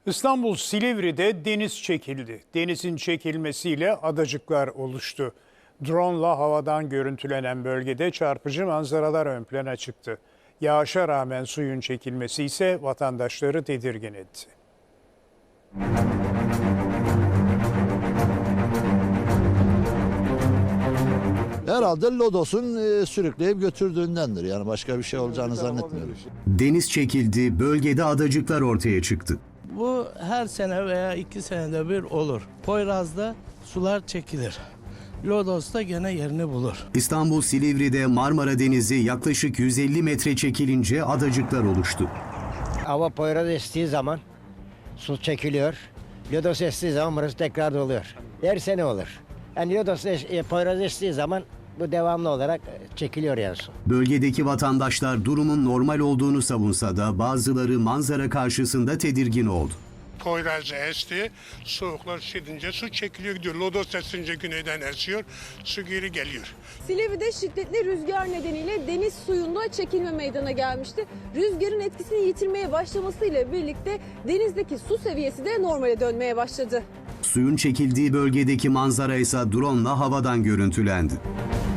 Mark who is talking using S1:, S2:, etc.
S1: İstanbul Silivri'de deniz çekildi. Denizin çekilmesiyle adacıklar oluştu. Drone'la havadan görüntülenen bölgede çarpıcı manzaralar ön plana çıktı. Yağışa rağmen suyun çekilmesi ise vatandaşları tedirgin etti.
S2: Herhalde Lodos'un sürükleyip götürdüğündendir. Yani başka bir şey olacağını zannetmiyorum.
S3: Deniz çekildi, bölgede adacıklar ortaya çıktı.
S4: Bu her sene veya 2 senede bir olur. Poyraz'da sular çekilir. Lodos'ta gene yerini bulur.
S3: İstanbul Silivri'de Marmara Denizi yaklaşık 150 metre çekilince adacıklar oluştu.
S5: Hava Poyraz estiği zaman su çekiliyor. Lodos estiği zaman burası tekrar doluyor. Her sene olur. Yani Lodos Poyraz estiği zaman bu devamlı olarak çekiliyor yani su.
S3: Bölgedeki vatandaşlar durumun normal olduğunu savunsa da bazıları manzara karşısında tedirgin oldu.
S6: Poyraz esti, soğuklar şiddince su çekiliyor gidiyor. Lodos esince güneyden esiyor, su geri geliyor.
S7: Silivri'de şiddetli rüzgar nedeniyle deniz suyunda çekilme meydana gelmişti. Rüzgarın etkisini yitirmeye başlamasıyla birlikte denizdeki su seviyesi de normale dönmeye başladı.
S3: Suyun çekildiği bölgedeki manzara ise drone'la havadan görüntülendi.